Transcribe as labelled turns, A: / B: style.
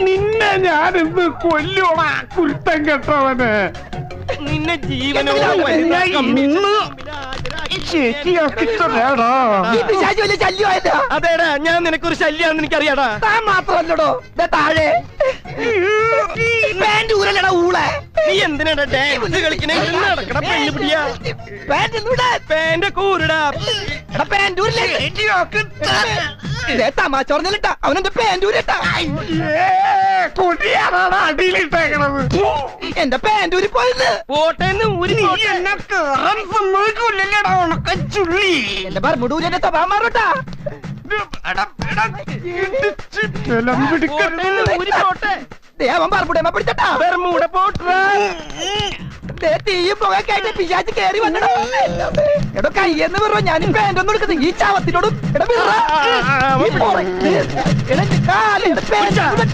A: നിന്നെ ഞാനിന്ന് കൊല്ലോടാ കുരുത്തം കെട്ടവന്.
B: നിന്നെ ജീവനോ അതേടാ, ഞാൻ നിനക്കൊരു ശല്യാന്ന് എനിക്കറിയാടാ.
C: താൻ മാത്രല്ലടോ താഴെ
B: നീ എന്തിനാടാ ഡാൻസ് കളിക്കണേ? നടക്കട പെണ്ണു പിടിയാ. പാന്റെ കൂരടാ.
C: തമാശ പറഞ്ഞിട്ടാ അവനെന്റെ പാൻറ്റൂരിട്ടാ.
A: കൊടിയാണാണ് അടിയിലിട്ടേക്കണത്.
C: എന്റെ പാൻറ്റൂരി പോയത്
B: പോട്ടേന്ന് ഊരി.
A: എന്നെ കേറാൻ സമ്മതിക്കൂല്ലല്ലേടാ ഉണക്കച്ചുള്ളി.
C: എന്റെ ബർമുടൂരി എന്റെ സ്വഭാവം മാറൂട്ടാ. അവൻ ബർമുടേമ പിടിച്ചട്ടാ.
B: ബർമൂട പോട്ടാ.
C: തീയും പുകയൊക്കെ പിശാച്ച് കേറി വന്നടോ. എടോ കയ്യെന്ന് പറ ഞാൻ പാൻറ്റൊന്നും എടുക്കുന്നത് ഈ ചാവത്തിനോടും.